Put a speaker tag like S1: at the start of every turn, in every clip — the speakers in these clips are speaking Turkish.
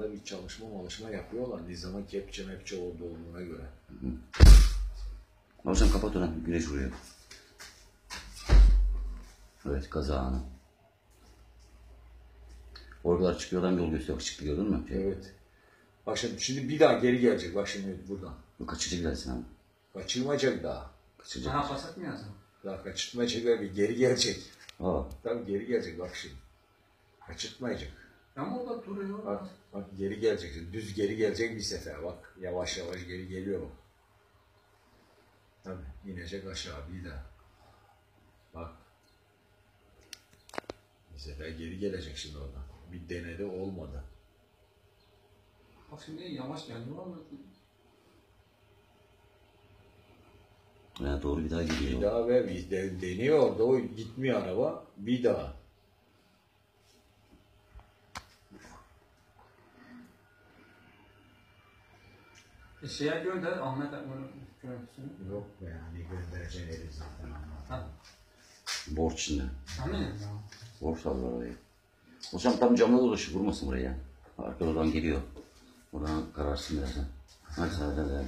S1: anda bir çalışma yapıyorlar. Nizam'ın kepçe mepçe olduğuna göre.
S2: Hocam kapat onu. Güneş vuruyor. Evet, kazağını. Oradalar çıkıyor, adam yol gösteriyor. Çıktı, gördün mü?
S1: Evet. Bak şimdi bir daha geri gelecek. Bak şimdi buradan.
S2: Bu kaçıcı gidersin abi.
S1: Kaçırmayacak daha.
S2: Kaçıracak.
S3: Daha basak mı yazalım?
S1: Daha kaçırtmayacak bir geri gelecek.
S2: Aa.
S1: Tabii geri gelecek bak şimdi. Kaçırtmayacak.
S3: Ama o da duruyor.
S1: Bak geri gelecek. Düz geri gelecek bir sefer. Bak yavaş yavaş geri geliyor bak. Tabii inecek aşağı bir daha. Bak. Bir sefer geri gelecek şimdi oradan. Bir denedi olmadı.
S3: Bak şimdi yavaş geldi ama
S2: Yani doğru bir daha gidiyor.
S1: Bir daha ve bir deniyor orada o gitmiyor araba. Bir daha.
S3: şeye gönder Ahmet Akman'ın görüntüsünü.
S1: Yok be yani göndereceğin eli zaten ama.
S2: Borç içinde.
S3: Amin.
S2: Borç aldılar orayı. Hocam tam camda dolaşıyor. Vurmasın buraya. Arka oradan geliyor. Oradan kararsın birazdan. Hadi hadi.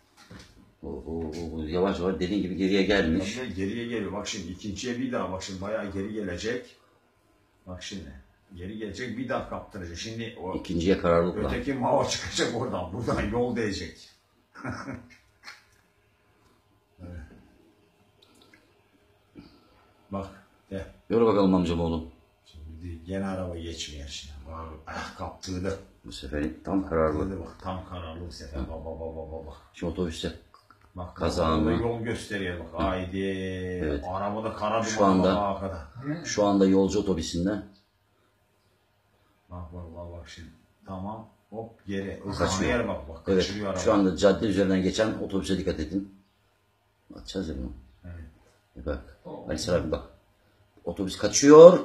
S2: O yavaş yavaş dediğin gibi geriye gelmiş.
S1: Tabii geriye geliyor. Bak şimdi ikinciye bir daha. Bak şimdi bayağı geri gelecek. Bak şimdi. Geri gelecek bir daha kaptıracak. Şimdi o
S2: İkinciye kararlılıkla.
S1: öteki mava çıkacak oradan. Buradan yol değecek. Evet. Bak. De.
S2: Yürü bakalım amcam oğlum.
S1: Şimdi gene araba geçmiyor şimdi. Ah kaptırdı.
S2: Bu sefer tam kararlı.
S1: Kaptırdı bak. Tam kararlı bu sefer. Bak.
S2: Şimdi otobüste
S1: Bak
S2: kazağını.
S1: yol gösteriyor bak. Haydi.
S2: Evet.
S1: Arabada kara
S2: Şu
S1: duman
S2: anda-
S1: bak arkada.
S2: Şu anda yolcu otobüsünde.
S1: Bak şimdi. Tamam. Hop geri.
S2: Kaçıyor.
S1: Kaçıyor. Bak
S2: Evet.
S1: kaçırıyor araba.
S2: Şu anda cadde üzerinden geçen otobüse dikkat edin. Atacağız ya bunu.
S1: Evet.
S2: Bak. Ali Sıra abi bak. Otobüs kaçıyor.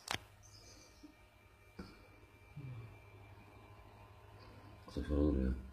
S2: Otobüs orada duruyor.